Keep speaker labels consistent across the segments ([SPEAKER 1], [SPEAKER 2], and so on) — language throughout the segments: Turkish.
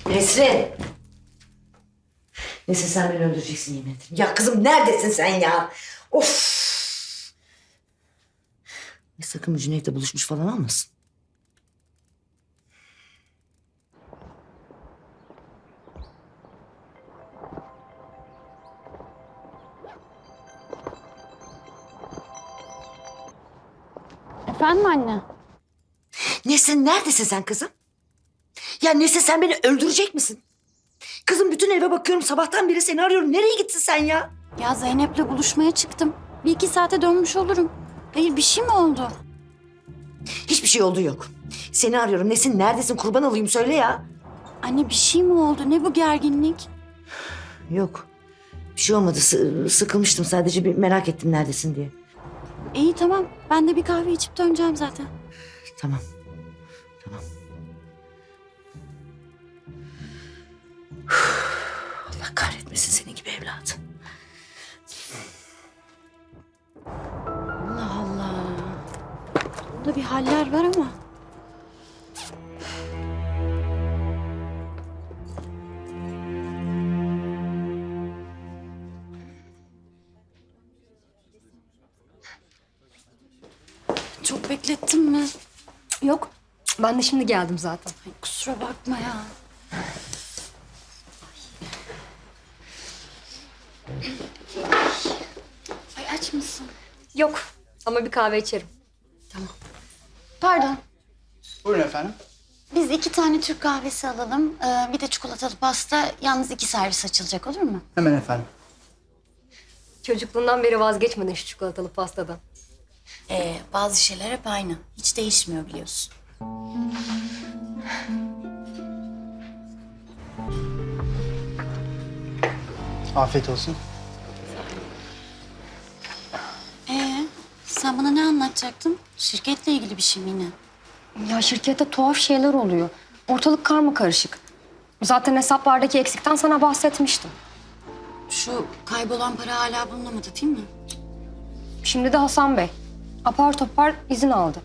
[SPEAKER 1] Nesrin! Nesrin sen beni öldüreceksin yemin ederim. Ya kızım neredesin sen ya? Of! Sakın bu Cüneyt'le buluşmuş falan olmasın.
[SPEAKER 2] Efendim anne?
[SPEAKER 1] Nesrin neredesin sen kızım? Ya Nesrin sen beni öldürecek misin? Kızım bütün eve bakıyorum sabahtan beri seni arıyorum. Nereye gittin sen ya?
[SPEAKER 2] Ya Zeynep'le buluşmaya çıktım. 1-2 saate dönmüş olurum. Hayır bir şey mi oldu?
[SPEAKER 1] Hiçbir şey oldu yok. Seni arıyorum. Nesrin neredesin? Kurban olayım söyle ya.
[SPEAKER 2] Anne bir şey mi oldu? Ne bu gerginlik?
[SPEAKER 1] Yok. Bir şey olmadı. Sıkılmıştım sadece bir merak ettim neredesin diye.
[SPEAKER 2] İyi tamam. Ben de bir kahve içip döneceğim zaten.
[SPEAKER 1] Tamam. Tamam. Allah kahretmesin senin gibi evladı.
[SPEAKER 2] Allah Allah. Bunda bir haller var ama. Çok beklettim mi?
[SPEAKER 3] Yok. Ben de şimdi geldim zaten.
[SPEAKER 2] Ay, kusura bakma ya. Ay aç mısın?
[SPEAKER 3] Yok. Ama bir kahve içerim.
[SPEAKER 2] Pardon.
[SPEAKER 4] Buyurun efendim.
[SPEAKER 2] Biz 2 tane Türk kahvesi alalım. Bir de çikolatalı pasta. Yalnız 2 servis açılacak olur mu?
[SPEAKER 4] Hemen efendim.
[SPEAKER 3] Çocukluğundan beri vazgeçmedin şu çikolatalı pastadan.
[SPEAKER 2] Bazı şeyler hep aynı. Hiç değişmiyor biliyorsun.
[SPEAKER 4] Afiyet olsun.
[SPEAKER 2] Sen bana ne anlatacaktın? Şirketle ilgili bir şey mi yine?
[SPEAKER 3] Ya şirkette tuhaf şeyler oluyor. Ortalık karmakarışık. Zaten hesaplardaki eksikten sana bahsetmiştim.
[SPEAKER 2] Şu kaybolan para hala bulunamadı değil mi?
[SPEAKER 3] Şimdi de Hasan Bey. Apar topar izin aldı.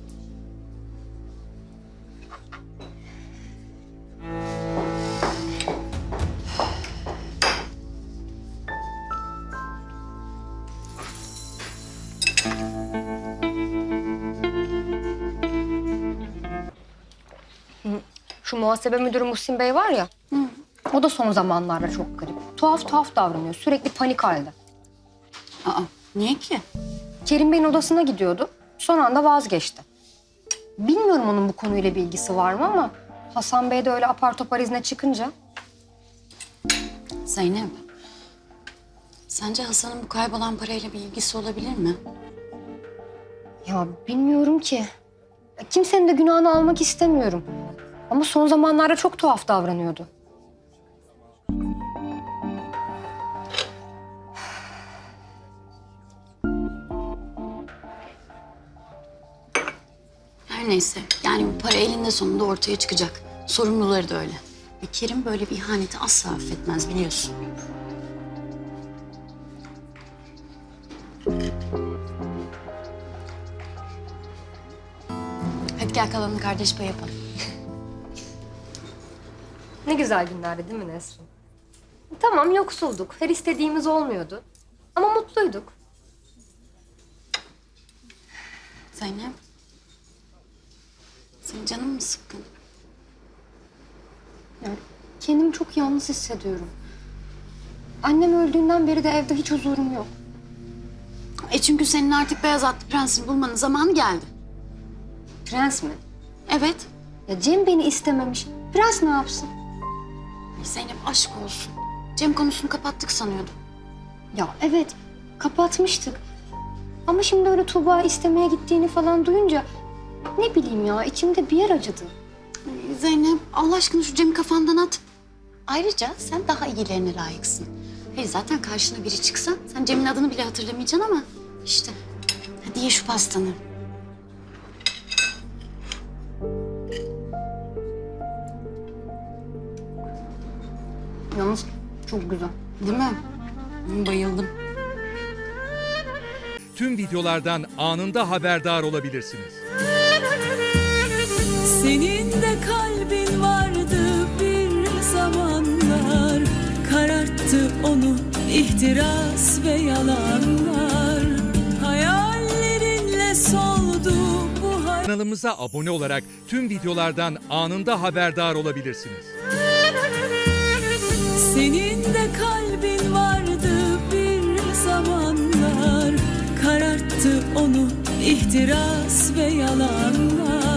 [SPEAKER 3] Şu muhasebe müdürü Muhsin Bey var ya. O da son zamanlarda çok garip. Tuhaf tuhaf davranıyor. Sürekli panik halde.
[SPEAKER 2] Aa, niye ki?
[SPEAKER 3] Kerim Bey'in odasına gidiyordu. Son anda vazgeçti. Bilmiyorum onun bu konuyla bir ilgisi var mı ama Hasan Bey de öyle apar topar izne çıkınca.
[SPEAKER 2] Zeynep. Sence Hasan'ın bu kaybolan parayla bir ilgisi olabilir mi?
[SPEAKER 3] Ya bilmiyorum ki. Kimsenin de günahını almak istemiyorum. Ama son zamanlarda çok tuhaf davranıyordu.
[SPEAKER 2] Her neyse. Yani bu para elinde sonunda ortaya çıkacak. Sorumluları da öyle. Ve Kerim böyle bir ihaneti asla affetmez biliyorsun. Hadi gel kalanını kardeş payı yapalım.
[SPEAKER 3] Ne güzel günlerdi değil mi Nesrin? Tamam yoksulduk. Her istediğimiz olmuyordu. Ama mutluyduk.
[SPEAKER 2] Zeynep. Senin canın mı sıkkın?
[SPEAKER 3] Yani kendimi çok yalnız hissediyorum. Annem öldüğünden beri de evde hiç huzurum yok.
[SPEAKER 2] Çünkü senin artık beyaz atlı prensini bulmanın zamanı geldi.
[SPEAKER 3] Prens mi?
[SPEAKER 2] Evet.
[SPEAKER 3] Ya Cem beni istememiş. Prens ne yapsın?
[SPEAKER 2] Ay Zeynep aşk olsun. Cem konusunu kapattık sanıyordum.
[SPEAKER 3] Ya evet kapatmıştık. Ama şimdi öyle Tuğba istemeye gittiğini falan duyunca ne bileyim ya içimde bir yer acıdı.
[SPEAKER 2] Ay Zeynep Allah aşkına şu Cem'i kafandan at. Ayrıca sen daha iyilerine layıksın. Hayır zaten karşına biri çıksa sen Cem'in adını bile hatırlamayacaksın ama işte. Hadi ye şu pastanı.
[SPEAKER 3] Yalnız çok güzel.
[SPEAKER 2] Değil mi? Bayıldım.
[SPEAKER 5] Tüm videolardan anında haberdar olabilirsiniz.
[SPEAKER 6] Senin de kalbin vardı bir onu ihtiras ve yalanlar. Hayallerinle soldu bu hayat.
[SPEAKER 5] Kanalımıza abone olarak tüm videolardan anında haberdar olabilirsiniz.
[SPEAKER 6] Senin de kalbin vardı bir zamanlar. Kararttı onu ihtiras ve yalanlar.